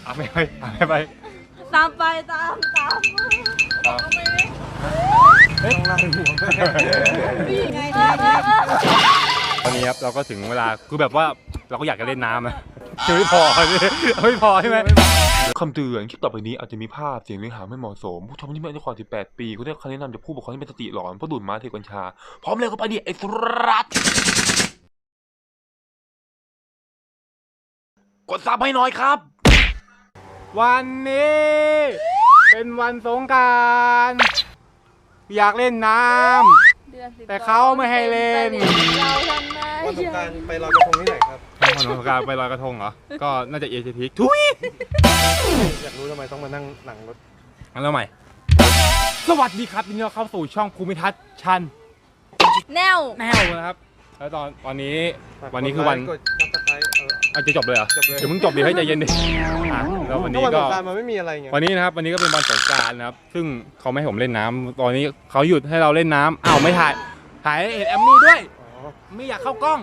ไปตามไปตามเฮ้ยต้องเล่าเป็นห่วงไงตอนนี้ครับเราก็ถึงเวลาคือแบบว่าเราก็อยากจะเล่นน้ำนะไม่พอใช่ไหมคำเตือนคลิปต่อไปนี้อาจจะมีภาพเสียงเนื้อหาไม่เหมาะสมผู้ชมที่ไม่อายุกว่า18 ปีคุณได้คำแนะนำจากผู้ปกครองที่เป็นสติหลอนเพราะดูดม้าเทกัญชาพร้อมเลยก็ไปดิไอ้สุรัตกดซับให้หน่อยครับวันนี้เป็นวันสงกรานต์อยากเล่นน้ำแต่เขาไม่ให้เล่นวันสงกรานต์ไปลอยกระทงที่ไหนครับวันสงกรานต์ไปลอยกระทงเหรอก็น่าจะเอเชียทีทุยอยากรู้ทำไมต้องมานั่งหลังรถแล้วใหม่สวัสดีครับยินดีต้อนรับเข้าสู่ช่องภูมิทัศน์ชันแนวนะครับแล้วตอนนี้คือวันอาจจะจบเลยเหรอเดี๋ยวมึงจบดิให้ใจเย็นดิแล้ววันนี้ก็มันไม่มีอะไรไงวันนี้นะครับวันนี้ก็เป็นวันสงกรานต์นะครับซึ่งเขาไม่ให้ผมเล่นน้ำตอนนี้เขาหยุดให้เราเล่นน้ำอ้าวไม่ถ่ายเห็นแอมมี่ด้วยไม่อยากเข้ากล้อง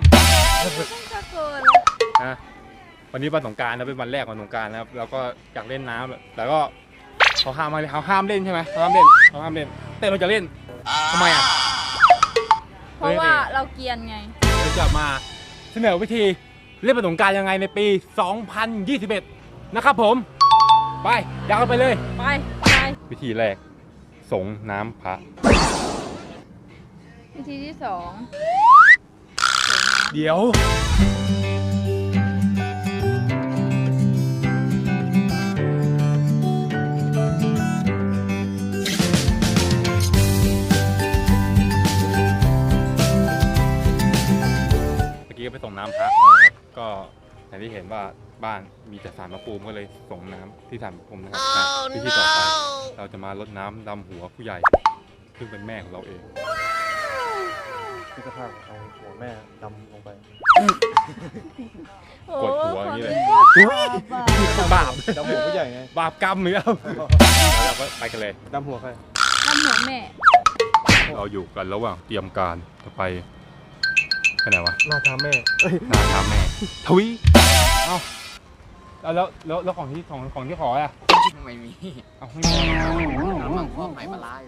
วันนี้วันสงกรานต์นะเป็นวันแรกวันสงกรานต์นะครับแล้วก็อยากเล่นน้ำแต่ก็เขาห้ามเล่นใช่ไหมเขาห้ามเล่นแต่เราจะเล่นทำไมอ่ะเพราะว่าเราเกียนไงเราจะมาเสนอวิธีเล่นวันสงกรานต์ยังไงในปี 2021 นะครับผมไปยาวไปเลยไปวิธีแรกสงน้ำพระวิธีที่2 เดี๋ยวไปส่งน้ำพระนะครับก็อย่างที่เห็นว่าบ้านมีแต่ศาลพระภูมิก็เลยส่งน้ำที่ศาลพระภูมินะครับวิธีต่อไปเราจะมารดน้ำดำหัวผู้ใหญ่ซึ่งเป็นแม่ของเราเองพิจารณาเอาหัวแม่ดำลงไปกดหัวอย่างนี้เลยบาปดำหัวผู้ใหญ่ไงบาปกรรมหรือเอาเราก็ไปกันเลยดำหัวใครดำหัวแม่เราอยู่กันระหว่างเตรียมการจะไปไหนวะหน้าท้าแม่หน้าท้าแม่ทวีเอ้าแล้วของที่ขออ่ะไม่มีเอาไม่มีน้ำมังคุดไผ่ปลาอยู่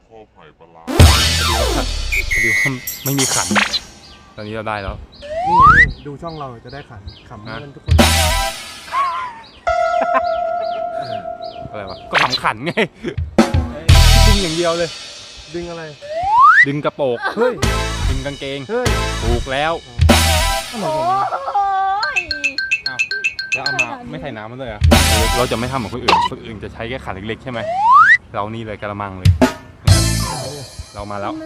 เดี๋ยวไม่มีขันตอนนี้เราได้แล้วนี่ไงดูช่องเราจะได้ขันขำกันทุกคนอะไรวะก็ขำขันไงดึงอย่างเดียวเลยดึงอะไรดึงกระโปรงเฮ้ยดึงกางเกงถูกแล้วแล้วเอามาไม่ใส่น้ำมันเลยอ่ะเราจะไม่ทำเหมือนคนอื่นจะใช้แค่ขันเล็กๆใช่ไหมเรานี่เลยกระมังเลยเรามาแล้ว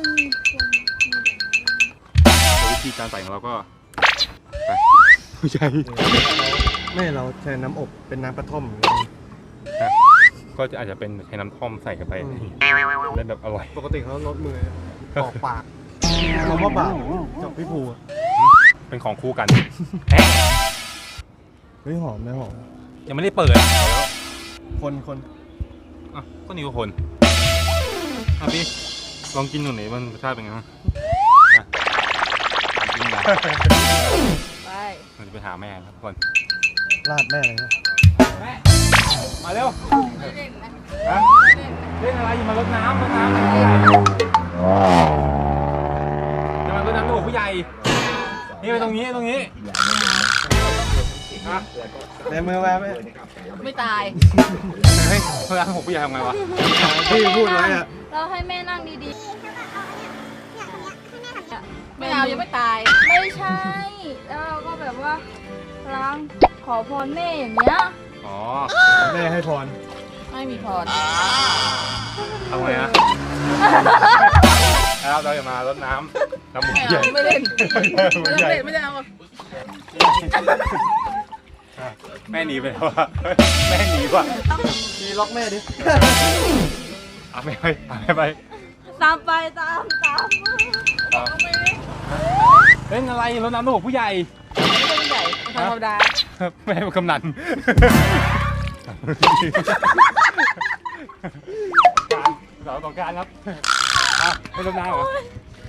วิธีการใส่ของเราก็ไปไม่ใช่ไม่เราใช้น้ำอบเป็นน้ำกระท่อมก็จะอาจจะเป็นใช้น้ำท่อมใส่กันไปได้แบบอร่อยปกติเขาลดมือออกปากคำว่าบาปจากพี่ภูเป็นของคู่กันเฮ้ยหอมไหมหอมยังไม่ได้เปิดคนอ่ะก็นี่ก็คนพี่ลองกินหน่อยมันรสชาติเป็นไงบ้างกินไปมันจะไปหาแม่ครับทุกคนลาดแม่เลยแม่มาเร็วเล่นอะไรอยู่มารดน้ำจะมารดน้ำลูกผู้ใหญ่นี่ไปตรงนี้ในมือแม่ไม่ตายเฮ้ยเพื่อนผมผู้ใหญ่ทำไงวะพี่พูดไว้อะเราให้แม่นั่งดีๆไม่เอายังไม่ตายไม่ใช่แล้วเราก็แบบว่าล้างขอพรแม่อย่างเงี้ยอ๋อแม่ให้พรไม่มีพรทำไงนะแล้วเราจะมารดน้ำดำหัวใหญ่ไม่เล่นไม่ได้เอาแม่หนีไปแล้วว่ะแม่หนีว่ะมีล็อกแม่ดิเอาไม่ไปตามไปเล่นอะไรรดน้ำหัวผู้ใหญ่ไม่ใช่ผู้ใหญ่ธรรมดาแม่กำนันสาวต่อการครับไม่รดน้ำเหรอ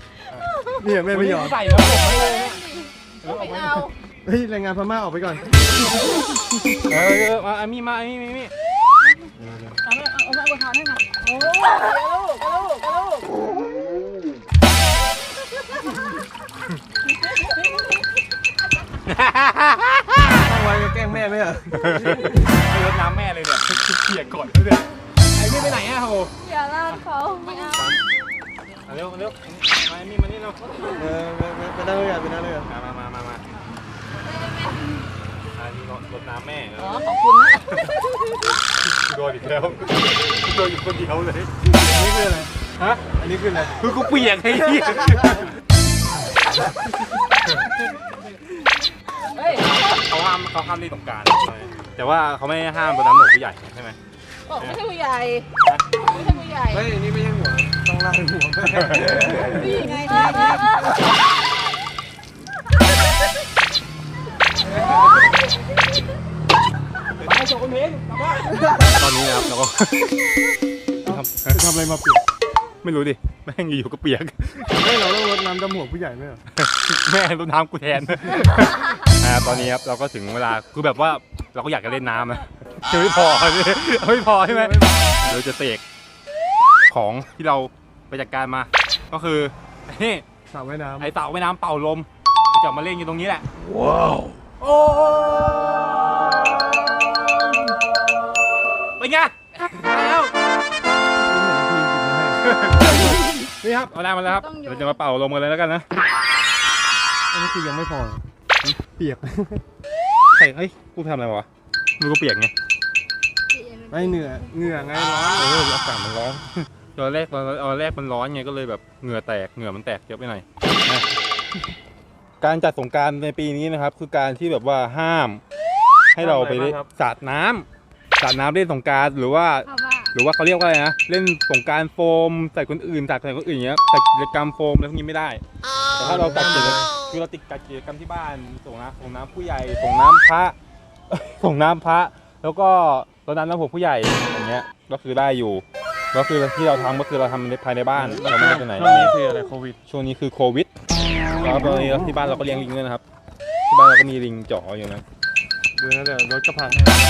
เนี่ยแม่ไม่ยอมใส่แล้วผมไม่เลยไม่เอาเฮ้ยแรงงานพม่าออกไปก่อนมาไอ้มี่มาไอ้มี่เอามาอวยพรให้มาโอ้ยลูกตั้งไว้ก็แกล้งแม่ไหมอ่ะไม่รดน้ำแม่เลยเนี่ยเปียกก่อนเลยไอ้มี่ไปไหนอะโหอย่าลากเขาไม่เอาเร็วมาไอ้มี่มานี่เร็วไปนั่งเลยอ่ะไปนั่งเลยอ่ะมาอันนี้รดน้ำแม่อ๋อขอบคุณนะโดนอีกแล้วโดนอยู่คนเดียวเลยอันนี้คืออะไรฮะอันนี้คืออะไรคือกูเปียกไอ้เหี้ยเฮ้ยเขาห้ามที่สงกรานต์แต่ว่าเขาไม่ห้ามรดน้ำหนูผู้ใหญ่ใช่ไหมบอกไม่ใช่ผู้ใหญ่ไม่ใช่ผู้ใหญ่เฮ้ยอันนี้ไม่ใช่หัวต้องลากเป็นหัวแม่นี่ไงไปโชว์คนเพลงกลับบ้านตอนนี้นะครับเราก็จะทำอะไรมาเปียกไม่รู้ดิแม่งอยู่ๆก็เปียกเฮ้ยเราต้องรดน้ำดำหัวผู้ใหญ่ไหมอ่ะแม่รดน้ำกูแทนตอนนี้ครับเราก็ถึงเวลาคือแบบว่าเราก็อยากจะเล่นน้ำนะจะไม่พอไม่พอใช่ไหมเราจะเสกของที่เราไปจัดการมา ก็คือนี่สระว่ายน้ำไอเต่าว่ายน้ำเป่าลมจะมาเล่นอยู่ตรงนี้แหละว้าวโอ้เป็นไงมาแล้วนี่ครับเอาได้มาแล้วครับเราจะมาเป่าลมกันเลยแล้วกันนะอันนี้คือยังไม่พอเปียกใครเอ้ยกูทำอะไรวะมือกูเปียกไงไม่เหงื่อไงร้อนอากาศมันร้อนตอนแรกมันร้อนไงก็เลยแบบเหงื่อมันแตกเยอะไปหน่อยนะการจัดสงกรานต์ในปีนี้นะครับคือการที่แบบว่าห้ามให้เราไปสาดน้ำเล่นสงกรานต์หรือว่าเขาเรียกว่าอะไรนะเล่นสงกรานต์โฟมใส่คนอื่นอย่างเงี้ยจัดกิจกรรมโฟมอะไรพวกนี้ไม่ได้แต่ถ้าเราจัดกิจกรรมคือเราติดกิจกรรมที่บ้านส่งน้ำผู้ใหญ่ส่งน้ำพระ แล้วก็รดน้ำหัวผู้ใหญ่อย่างเงี้ยก็คือได้อยู่ก็คือที่เราทำก็คือเราทำภายในบ้านเราไม่ได้ไปไหนช่วงนี้คืออะไรโควิดช่วงนี้คือโควิดแล้วตอนนี้ที่บ้านเราก็เลี้ยงลิงด้วยนะครับที่บ้านเราก็มีลิงจ๋ออยู่นะดูนะเดี๋ยวรถกระพัง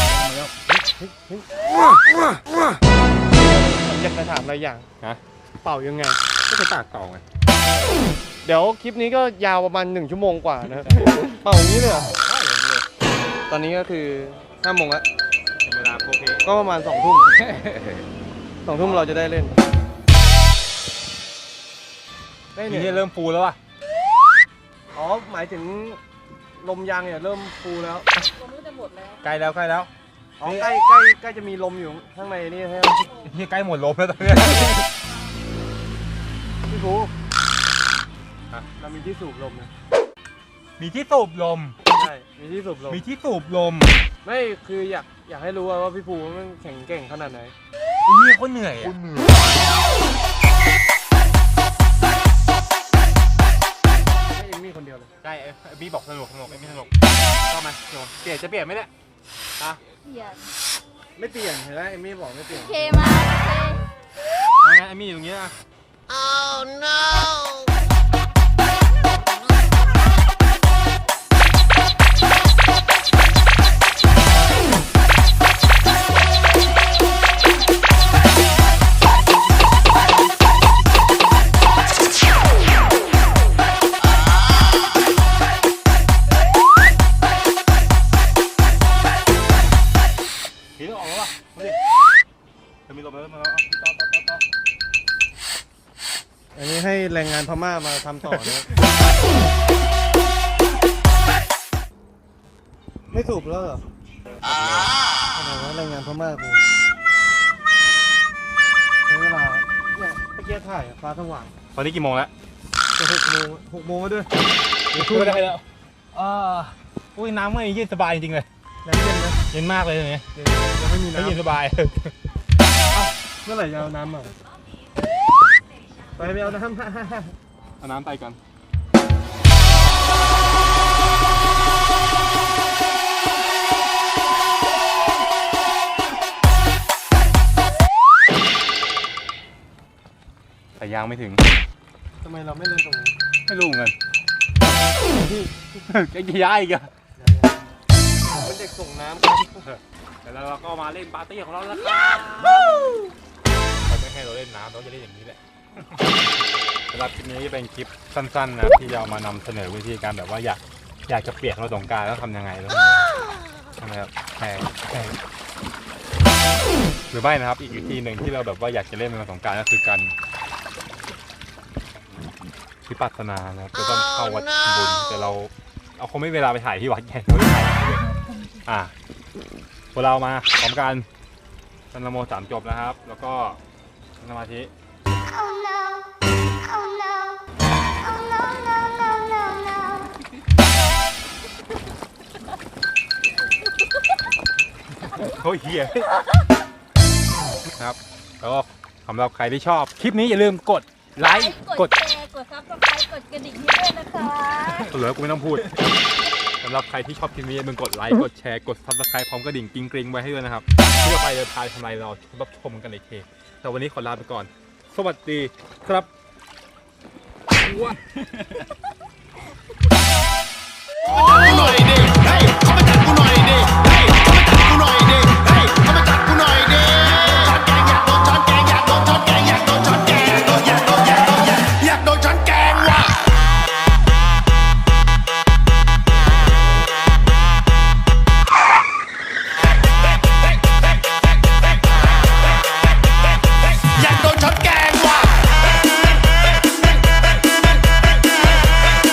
ผมอยากจะถามอะไรอย่างฮะเป่ายังไงก็จะตากต่อไงเดี๋ยวคลิปนี้ก็ยาวประมาณ1 ชั่วโมงกว่านะเป่าอย่างนี้เลยเหรอตอนนี้ก็คือ5 โมงแล้วเป็นเวลาโอเคก็ประมาณ2 ทุ่ม 2 ทุ่มเราจะได้เล่นทีนี้เริ่มฟูแล้วว่ะอ๋อหมายถึงลมยางเนี่ยเริ่มฟูแล้วผมรู้จะหมดแล้วใกล้แล้วอ๋อใกล้จะมีลมอยู่ข้างในนี่ใช่ไหมที่ใกล้หมดลมแล้วตอนนี้พี่ฟูฮะเรามีที่สูบลมนะมีที่สูบลมใช่มีที่สูบลมมีที่สูบลมไม่คืออยากให้รู้ว่าพี่ฟูมันแข็งเก่งขนาดไหนนี่เขาเหนื่อยอ่ะให้เอมมี่คนเดียวเลยใช่ไอ้บี้บอกสนุกไอ้ไม่สนุกเข้ามาสนุกเปลี่ยนไหมเนี่ยฮะเปลี่ยนไม่เปลี่ยนเห็นไหมเอมมี่บอกไม่เปลี่ยนเคมาเคเอางั้นไอ้มี่อยู่ตรงนี้นะ พี่ต้องออกแล้วว่ะมาดิจะมีลมแล้วมาแล้วต่ออันนี้ให้แรงงานพม่ามาทำต่อนะไม่สูบแล้วเหรออะไรวะแรงงานพม่ากูใช้เวลาเนี่ยเมื่อกี้ถ่ายอะฟ้าสว่างตอนนี้กี่โมงแล้วจะ6 โมงแล้วด้วยไม่ได้แล้วอุ้ยน้ำไม่เย็นสบายจริงๆเลยแรงเย็นนะเย็นมากเลยเนี่ยยังไม่มีไม่น้ำเย็นสบายเมื่อไหร่จะเอาน้ำมาไปเอาน้ำเอาน้ำใส่ก่อนแต่ยางไม่ถึงทำไมเราไม่เล่นตรงนี้ไม่รู้เหมือนกันที่จะย้ายอีกอะเป็นเด็กด็กส่งน้ำครับแล้วเราก็มาเล่นปาร์ตี้ของเราแล้วครับเขาไม่ให้เราเล่นน้ำเราจะเล่นอย่างนี้แหละสำหรับคลิปนี้เป็นคลิปสั้นๆนะที่จะเอามานำเสนอวิธีการแบบว่าอยากจะเปียกเราสงกรานต์แล้วทำยังไงแล้วใช่ไหมครับแข่งหรือไม่นะครับอีกวิธีหนึ่งที่เราแบบว่าอยากจะเล่นในวันสงกรานต์ก็คือการวิปัสสนานะครับจะต้องเข้าวัดบุญแต่เราคงไม่มีเวลาไปถ่ายที่วัดไงเราไม่ถ่ายเลยพวกเรามาพร้อมกันสันนะโมสามจบนะครับ แล้วก็สมาธิ Oh no. Oh no. Oh no, no, no, no, no. โอ้ยเฮียครับแล้วก็สำหรับใครที่ชอบคลิปนี้อย่าลืมกดไลค์กดแชร์กดซับสไครต์กดกระดิ่งให้ด้วยนะคะเหลือกูไม่ต้องพูดสำหรับใครที่ชอบคลิปนี้อย่าลืมกดไลค์กดแชร์กดซับสไครต์พร้อมกระดิ่งกริ๊งๆไว้ให้ด้วยนะครับเพื่อไปเดินทางทำไรเรารับชมกันในเทปแต่วันนี้ขอลาไปก่อนสวัสดีครับ